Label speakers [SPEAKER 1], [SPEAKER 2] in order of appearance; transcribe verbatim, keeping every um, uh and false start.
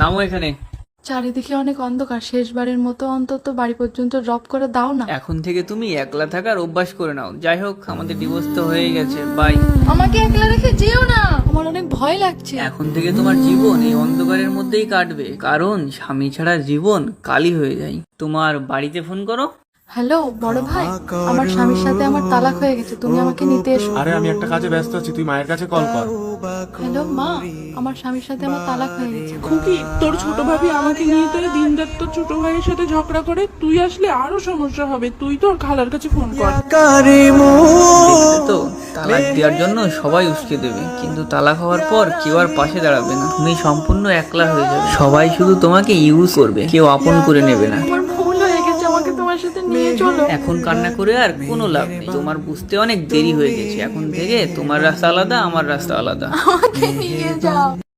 [SPEAKER 1] নামো এখানে।
[SPEAKER 2] চারিদিকে অনেক অন্ধকার, শেষবারের মতো অন্তত বাড়ি পর্যন্ত ড্রপ করে দাও না।
[SPEAKER 1] এখন থেকে তুমি একলা থাকার অভ্যাস করে নাও। যাই হোক, আমাদের ডিভোর্স তো হয়ে গেছে, বাই।
[SPEAKER 2] আমাকে একলা রেখে যেও না, আমার অনেক ভয় লাগছে।
[SPEAKER 1] এখন থেকে তোমার জীবন এই অন্ধকারের মধ্যেই কাটবে, কারণ স্বামী ছাড়া জীবন কালি হয়ে যায়। তোমার বাড়িতে ফোন করো।
[SPEAKER 2] হ্যালো বড় ভাই, আমার স্বামীর সাথে আমার তালাক হয়ে গেছে, তুমি আমাকে নিতে এসো।
[SPEAKER 3] আরে আমি একটা কাজে ব্যস্ত আছি, তুই মায়ের কাছে কল কর।
[SPEAKER 2] হ্যালো মা, আমার স্বামীর সাথে আমার তালাক হয়ে গেছে।
[SPEAKER 4] খুকি, তোর ছোট ভাবি আমাকে নিয়ে তো দিন রাত তোর ছোট ভাইয়ের সাথে ঝগড়া করে, তুই আসলে আরো সমস্যা হবে। তুই তোর খালার কাছে ফোন কর।
[SPEAKER 1] দেখলে তো, তালাক দেওয়ার জন্য সবাই উস্কে দেবে, কিন্তু তালাক হওয়ার পর কেউ আর পাশে দাঁড়াবে না। তুমি সম্পূর্ণ একলা হয়ে যাবে, সবাই শুধু তোমাকে ইউজ করবে, কেউ আপন করে নেবে না।
[SPEAKER 2] আমার ভুল হয়ে গেছে, আমাকে তোমার সাথে নিয়ে চলো।
[SPEAKER 1] এখন কান্না করে আর কোনো লাভ নেই, তোমার বুঝতে অনেক দেরি হয়ে গেছে। এখন থেকে তোমার রাস্তা আলাদা, আমার রাস্তা আলাদা।
[SPEAKER 2] আমাকে নিয়ে যাও।